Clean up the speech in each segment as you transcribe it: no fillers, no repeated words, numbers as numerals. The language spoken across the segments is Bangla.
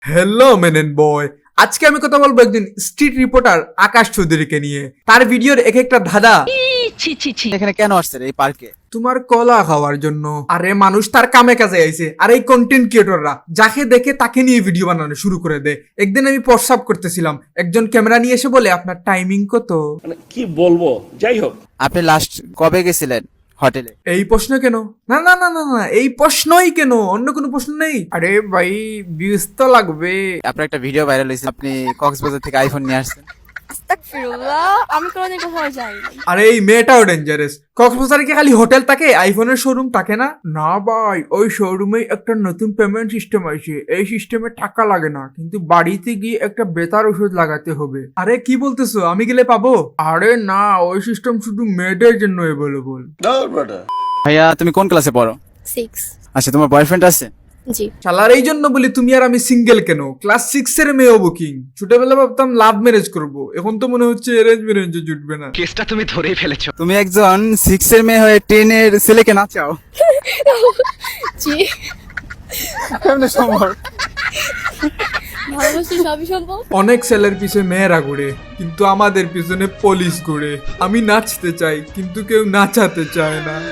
হ্যালো মেনেন বয়, আজকে আমি কথা বলবো একজন স্ট্রিট রিপোর্টার আকাশ চৌধুরীকে নিয়ে। তার ভিডিওর এক একটা ধাঁধা। এখানে কেন আসছেন এই পার্কে? তোমার কলা খাওয়ার জন্য। আরে মানুষ তার কামে কাজে আইছে, আর এই কন্টেন্ট ক্রিয়েটররা যাকে দেখে তাকে নিয়ে ভিডিও বানানো শুরু করে দেয়। একদিন আমি প্রস্রাব করতেছিলাম, একজন ক্যামেরা নিয়ে এসে বলে আপনার টাইমিং কত। মানে কি বলবো, যাই হোক। আপনি লাস্ট কবে গেছিলেন হোটেলে? এই প্রশ্ন কেন? না না না না না, এই প্রশ্নই কেন, অন্য কোনো প্রশ্ন নেই। আরে ভাই ভিউজ তো লাগবে। আপনার একটা ভিডিও ভাইরাল হয়েছে, আপনি কক্সবাজার থেকে আইফোন নিয়ে আসছেন। আস্তাগফিরুল্লাহ, আমি কোনোদিন কোথাও যাইনি। আরে এই মেয়েটাও ডেঞ্জারাস। কক্সবাজারে কি খালি হোটেল থাকে, আইফোনের শোরুম থাকে না? না ভাই, ওই শোরুমে একটা নতুন পেমেন্ট সিস্টেম আছে। এই সিস্টেমে টাকা লাগে না, কিন্তু বাড়িতে গিয়ে একটা বেতার ওষুধ লাগাতে হবে। আরে কি বলতেছো, আমি গেলে পাবো? আরে না, ওই সিস্টেম শুধু মেয়েদের জন্য অ্যাভেলেবল। ভাইয়া তুমি কোন ক্লাসে পড়ো? 6। আচ্ছা, তোমার বয়ফ্রেন্ড আছে? জি। শালার এই জন্য বলি তুমি আর আমি সিঙ্গেল কেন। ক্লাস 6 এর মেয়েও বুকিং। ছোটবেলা ভাবতাম লাভ ম্যারেজ করব, এখন তো মনে হচ্ছে অ্যারেঞ্জ ম্যারেজ জুটবে না। কেসটা তুমি ধরেই ফেলেছো। তুমি একজন 6 এর মেয়ে হয়ে 10 এর ছেলেকে নাচাও? জি, কেমনে সম্ভব? ভালোবাসি সবই সম্ভব। অনেক ছেলের পিছনে মেয়েরা ঘুরে, কিন্তু আমাদের পিছনে পুলিশ ঘুরে। আমি নাচতে চাই, কিন্তু কেউ নাচাতে চায় না।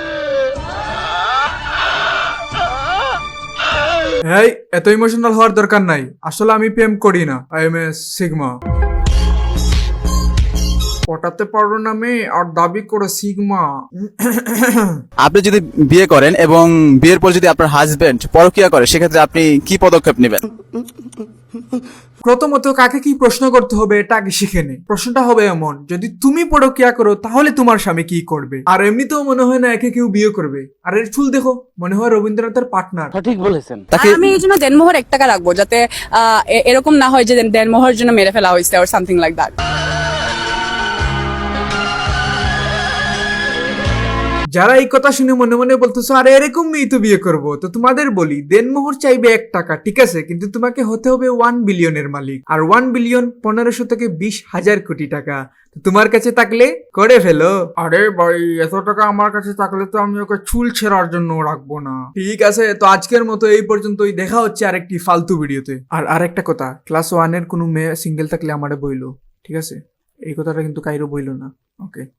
হ্যাঁ, এত ইমোশনাল হওয়ার দরকার নাই। আসলে আমি প্রেম করি না, আই এম এ সিগমা। পটাতে পারো না মেয়ে আর দাবি করে সিগমা। আপনি যদি বিয়ে করেন এবং বিয়ের পর যদি আপনার হাজবেন্ড পরকিয়া করে, সেক্ষেত্রে আপনি কি পদক্ষেপ নেবেন? প্রথমত কাকে কি প্রশ্ন করতে হবে এটা আগে শিখে নে। প্রশ্নটা হবে এমন, যদি তুমি পরকিয়া করো তাহলে তোমার স্বামী কি করবে? আর এমনিতেও মনে হয় না একে কেউ বিয়ে করবে। আর এর চুল দেখো, মনে হয় রবীন্দ্রনাথের পার্টনার। তাকে আমি এই জন্য দেনমোহর 1 টাকা রাখবো, যাতে এরকম না হয় যে দেনমোহর জন্য মেরে ফেলা হয়েছে or something like that. যারা এই কথা শুনে মনে মনে বলতেছো আরে এরকম মেয়ে তো বিয়ে করবো, তো তোমাদের বলি দেনমোহর চাইবে 1 টাকা, ঠিক আছে, কিন্তু তোমাকে হতে হবে 1 বিলিয়নের মালিক। আর 1 বিলিয়ন 1500 থেকে 20,000 কোটি টাকা। তো তোমার কাছে থাকলে করে ফেলো। আরে ভাই, এত টাকা আমার কাছে থাকলে তো আমি ওকে চুল ছেঁড়ার জন্য রাখবো না। ঠিক আছে, তো আজকের মতো এই পর্যন্তই। দেখা হচ্ছে আরেকটি ফালতু ভিডিওতে। আর আরেকটা কথা, ক্লাস 1 এর কোনো মেয়ে সিঙ্গেল থাকলে আমারে বইলো, ঠিক আছে? এই কথাটা কিন্তু কাইরো বইলো না, ওকে?